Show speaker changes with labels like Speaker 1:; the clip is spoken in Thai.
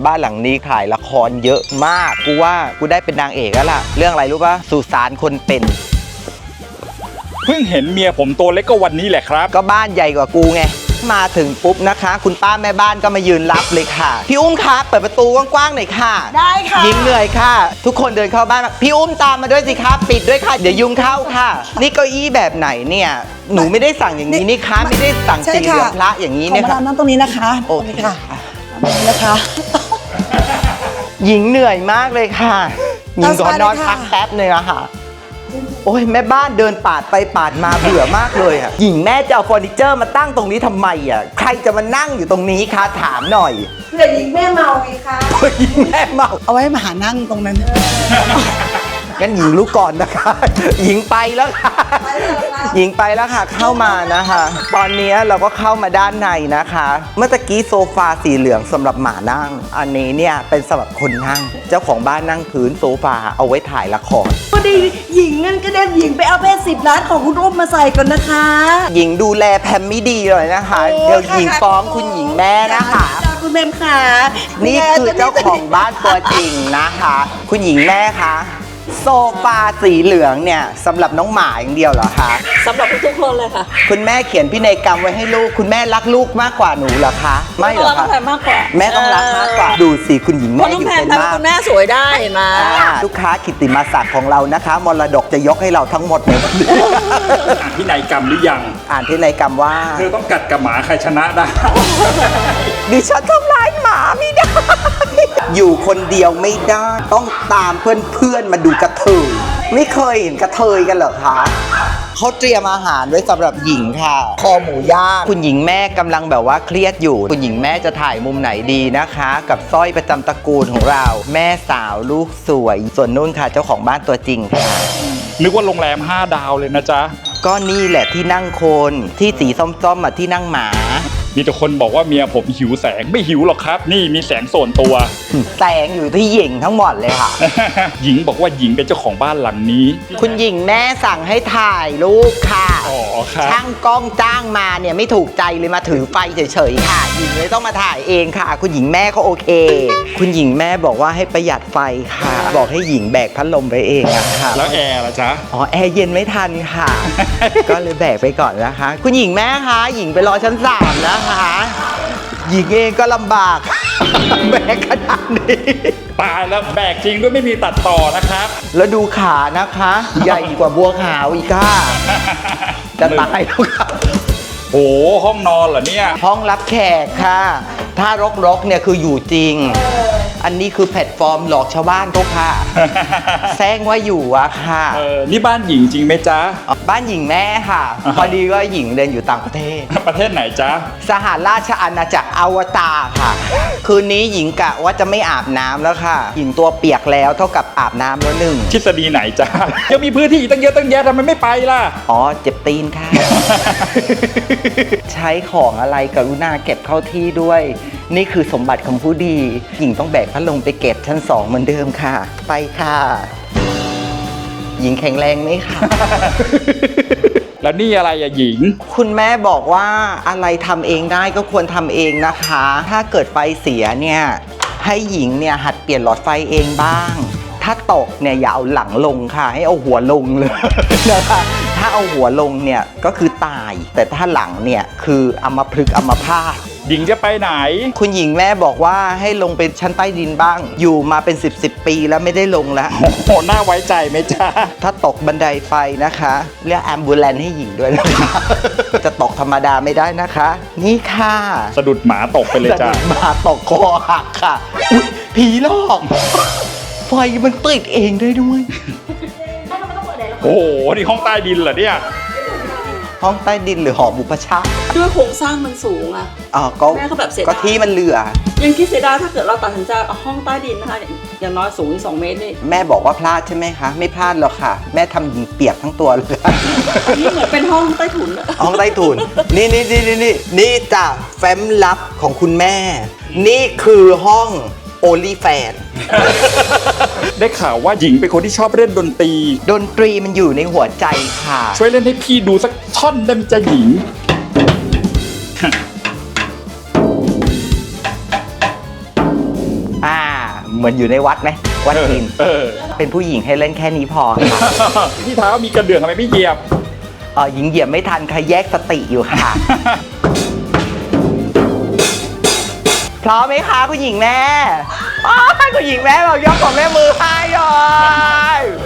Speaker 1: บ้านหลังนี้ถ่ายละครเยอะมากกูว่ากูได้เป็นนางเอกแล้วล่ะเรื่องอะไรรู้ปะสุสานคนเป็น
Speaker 2: เพิ่งเห็นเมียผมตัวเล็กก็วันนี้แหละครับ
Speaker 1: ก็บ้านใหญ่กว่ากูไงมาถึงปุ๊บนะคะคุณป้าแม่บ้านก็มายืนรับเลยค่ะพี่อุ้มคะเปิดประตูกว้างๆหน่อยค่ะ
Speaker 3: ได้ค่ะ
Speaker 1: ยิงเหนื่อยค่ะทุกคนเดินเข้าบ้านพี่อุ้มตามมาด้วยสิคะปิดด้วยค่ะเดี๋ยวยุงเข้าค่ะนี่เก้าอี้แบบไหนเนี่ยหนูไม่ได้สั่งอย่างนี้นี่คะไม่ได้สั่งสีเหลืองพระอย่างนี้เนี่ยค่ะ
Speaker 3: นั่งตรงนี้นะคะ
Speaker 1: โอเคค่ะ
Speaker 3: นะคะ
Speaker 1: หญิงเหนื่อยมากเลยค่ะหญิงขอนอนพักแป๊บนึงอะค่ะโอ้ยแม่บ้านเดินปาดไปปาดมาเบื่อมากเลยอะหญิงแม่จะเอาเฟอร์นิเจอร์มาตั้งตรงนี้ทำไมอะใครจะมานั่งอยู่ตรงนี้คะถามหน่อย
Speaker 3: เพื่อหญิงแม่เมาไงคะ
Speaker 1: หญิงแม่เมา
Speaker 3: เอาไว้มาหานั่งตรงนั้น
Speaker 1: งั้นหญิงรู้ก่อนนะคะหญิงไปแล้วค่ะหญิงไปแล้วค่ะเข้ามานะคะตอนนี้เราก็เข้ามาด้านในนะคะเมื่อตะกี้โซฟาสีเหลืองสำหรับหมานั่งอันนี้เนี่ยเป็นสำหรับคนนั่งเจ้าของบ้านนั่งพื้นโซฟาเอาไว้ถ่ายละคร
Speaker 3: พอดีหญิงงั้นก็เด็นหญิงไปเอาเพชร10 ล้านของคุณอุ้มมาใส่ก่อนนะคะ
Speaker 1: หญิงดูแลแพมไม่ดีเลยนะคะเดี๋ยวหญิงฟ้องคุณหญิงแม่นะคะ
Speaker 3: คุณแม่ค่ะ
Speaker 1: นี่คือเจ้าของบ้านตัวจริงนะคะคุณหญิงแม่คะโซฟาสีเหลืองเนี่ยสำหรับน้องหมาอย่างเดียวเหรอคะ
Speaker 4: สำหรับทุกคนเลยค่ะ
Speaker 1: คุณแม่เขียนพินัยกรรมไว้ให้ลูกคุณแม่รักลูกมากกว่าหนูเหรอคะไม่เหรอคะ
Speaker 4: มากกว่า
Speaker 1: แม่ต้องรักมากกว่าดูสิคุณหญิงแม่อยู่เป็นมาก
Speaker 4: คุณแม่สวยได้มา
Speaker 1: ลูกค้ากิตติมศักดิ์ของเรานะคะมรดกจะยกให้เราทั้งหมดเลย
Speaker 2: อ่านพินัยกรรมหรือยัง
Speaker 1: อ่านพินัยกรรมว่า
Speaker 2: เธอต้องกัดกับหมาใครชนะได้
Speaker 1: ดิฉันทำร้ายหมาไม่ได้อยู่คนเดียวไม่ได้ต้องตามเพื่อนๆมาดูกระเทยไม่เคยเห็นกระเทยกันเหรอคะเขาเตรียมอาหารไว้สำหรับหญิงค่ะคอหมูย่างคุณหญิงแม่กำลังแบบว่าเครียดอยู่คุณหญิงแม่จะถ่ายมุมไหนดีนะคะกับสร้อยประจำตระกูลของเราแม่สาวลูกสวยส่วนนุ่นค่ะเจ้าของบ้านตัวจริงค่ะ
Speaker 2: นึกว่าโรงแรม5 ดาวเลยนะจ๊ะ
Speaker 1: ก็นี่แหละที่นั่งคนที่สีส้มๆที่นั่งหมา
Speaker 2: มีแต่คนบอกว่าเมียผมหิวแสงไม่หิวหรอกครับนี่มีแสงส่วนตัว
Speaker 1: แสงอยู่ที่หญิงทั้งหมดเลยค่ะ
Speaker 2: หญิงบอกว่าหญิงเป็นเจ้าของบ้านหลังนี้
Speaker 1: คุณหญิงแม่สั่งให้ถ่ายรูปค่ะ
Speaker 2: อ๋อครับ
Speaker 1: ช่างกล้องจ้างมาเนี่ยไม่ถูกใจเลยมาถือไฟเฉยๆค่ะหญิงเลยต้องมาถ่ายเองค่ะคุณหญิงแม่เขาโอเคคุณหญิงแม่บอกว่าให้ประหยัดไฟค่ะบอกให้หญิงแบกพัดลมไปเองนะคะ
Speaker 2: แล้วแอร์ล่ะจ๊ะ
Speaker 1: อ๋อแอร์เย็นไม่ทันค่ะ ก็เลยแบกไปก่อนนะคะคุณหญิงแม่คะหญิงไปรอชั้น3นะคะหญิงเองก็ลำบากแบกขนาดนี้
Speaker 2: ตายแล้วแบกจริงด้วยไม่มีตัดต่อนะครับ
Speaker 1: แล้วดูขานะคะใหญ่กว่าบัวขาวอีกค่ะจะตายแล้วค่ะ
Speaker 2: โอ้ห้องนอนเหรอเนี่ย
Speaker 1: ห้องรับแขกค่ะถ้ารกๆเนี่ยคืออยู่จริงอันนี้คือแพลตฟอร์มหลอกชาวบ้านเขาค่ะแซงว่าอยู่อะค่ะ
Speaker 2: นี่บ้านหญิงจริงไหมจ๊ะ
Speaker 1: บ้านหญิงแม่ค่ะพอดีว่าหญิงเดินอยู่ต่างประเทศ
Speaker 2: ประเทศไหนจ๊ะ
Speaker 1: สหราชอาณาจักรอวตารค่ะคืนนี้หญิงกะว่าจะไม่อาบน้ำแล้วค่ะหญิงตัวเปียกแล้วเท่ากับอาบน้ำแล้วหนึ่ง
Speaker 2: ทฤษฎีไหนจ๊ะยังมีพื้นที่ตั้งเยอะตั้งแยะทำไมไม่ไปล่ะ
Speaker 1: อ๋อเจ็บตีนค่ะใช้ของอะไรกรุณาเก็บเข้าที่ด้วยนี่คือสมบัติของผู้ดีหญิงต้องแบกพัดลมไปเก็บชั้น2เหมือนเดิมค่ะไปค่ะหญิงแข็งแรงไหมคะ
Speaker 2: แล้วนี่อะไรอะหญิง
Speaker 1: คุณแม่บอกว่าอะไรทำเองได้ก็ควรทำเองนะคะถ้าเกิดไฟเสียเนี่ยให้หญิงเนี่ยหัดเปลี่ยนหลอดไฟเองบ้างถ้าตกเนี่ยอย่าเอาหลังลงค่ะให้เอาหัวลงเลยนะคะถ้าเอาหัวลงเนี่ยก็คือตายแต่ถ้าหลังเนี่ยคืออัมพฤกษ์อัมพาต
Speaker 2: หญิงจะไปไหน
Speaker 1: คุณหญิงแม่บอกว่าให้ลงเป็นชั้นใต้ดินบ้างอยู่มาเป็น10 ปีแล้วไม่ได้ลงแล้ว
Speaker 2: โอ้โหน่าไว้ใจไหมจ๊ะ
Speaker 1: ถ้าตกบันไดไฟนะคะเรียกแอมบูเลนซ์ให้หญิงด้วยนะคะจะตกธรรมดาไม่ได้นะคะนี่ค่ะ
Speaker 2: สะดุดหมาตกไปเลยจ้ะ
Speaker 1: สะดุดหมาตกคอหักค่ะอุ๊ยผีหลอกไฟมันติดเองได้ด้วย
Speaker 2: โอ้โหนี่ห้องใต้ดินเหรอเนี่ย
Speaker 1: ห้องใต้ดินหรือหอบุพชาติ
Speaker 4: ด้วยโครงสร้างมันสูงอ่ะ
Speaker 1: แม่ก็แบบเสียดายก็ที่มันเหลือ
Speaker 4: ยังคิดเสียดายถ้าเกิดเราตัดสินใจเอาห้องใต้ดินนะคะอย่างน้อยสูงอีก2 เมตรนี่
Speaker 1: แม่บอกว่าพลาดใช่ไหมคะไม่พลาดหรอกค่ะแม่ทำหญิงเปียกทั้งตัวเลย
Speaker 4: อันนี้เหมือนเป็นห้องใต้ถุน
Speaker 1: ห้องใต้ถุนนี่จ้ะแฟ้มลับของคุณแม่นี่คือห้องโอลิแฟน
Speaker 2: ได้ข่าวว่าหญิงเป็นคนที่ชอบเล่นดนต
Speaker 1: รีมันอยู่ในหัวใจค่ะ
Speaker 2: ช่วยเล่นให้พี่ดูสักท่อนได้ไหมจ๊ะหญิง
Speaker 1: เหมือนอยู่ในวัดไหมวัดจีน
Speaker 2: เออ
Speaker 1: เป็นผู้หญิงให้เล่นแค่นี้พอค่ะ
Speaker 2: ที่เท้ามีกระเดื่องทำไมไม่เหยียบ
Speaker 1: หญิงเหยียบไม่ทันค่ะแยกสติอยู่ค่ะ พร้อมไหมคะคุณหญิงแม่คุณหญิงแม่เรายกของแม่มือให้เลย